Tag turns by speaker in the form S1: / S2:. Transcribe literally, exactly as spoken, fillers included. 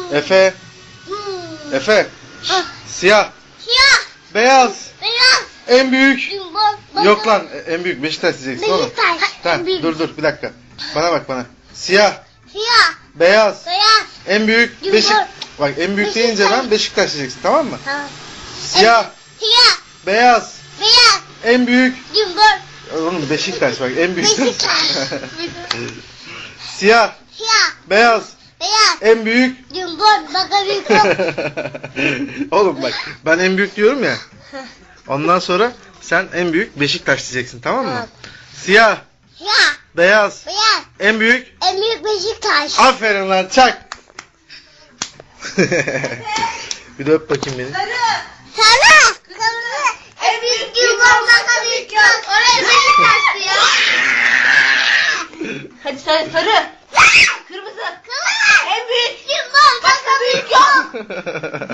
S1: Efe.
S2: Hmm.
S1: Efe.
S2: Ah.
S1: Siyah.
S2: Siyah.
S1: Beyaz.
S2: Beyaz.
S1: En büyük.
S2: Bak-
S1: Yok lan en büyük Beşiktaş diyeceksin oğlum.
S2: Beşiktaş.
S1: Tamam
S2: En büyük.
S1: dur dur bir dakika. Bana bak bana. Siyah.
S2: Siyah.
S1: Beyaz.
S2: Beyaz.
S1: En büyük
S2: Yumruk.
S1: Beşik. Bak en büyük deyince
S2: Beşiktaş.
S1: ben Beşiktaş diyeceksin tamam mı?
S2: Tamam.
S1: Siyah.
S2: Siyah.
S1: Beyaz.
S2: Beyaz.
S1: En büyük.
S2: Yumruk.
S1: Oğlum Beşiktaş bak en büyük.
S2: Beşiktaş.
S1: Siyah.
S2: Siyah.
S1: Beyaz.
S2: Beyaz.
S1: En büyük.
S2: Yumruk. Bakalım.
S1: Oğlum bak ben en büyük diyorum ya. Ondan sonra sen en büyük Beşiktaş diyeceksin tamam mı?
S2: Tamam.
S1: Siyah.
S2: Siyah.
S1: Beyaz.
S2: Beyaz.
S1: En büyük.
S2: En büyük Beşiktaş.
S1: Aferin lan çak. Bir de öp bakayım beni.
S2: Sarı. Kırmızı. En büyük yumruk. Bakalım. Oraya Beşiktaş diyor.
S3: Hadi sarı. Sarı. Kırmızı.
S2: Kırmızı.
S3: En büyük.
S2: Yumruk.
S3: Başka büyük yok.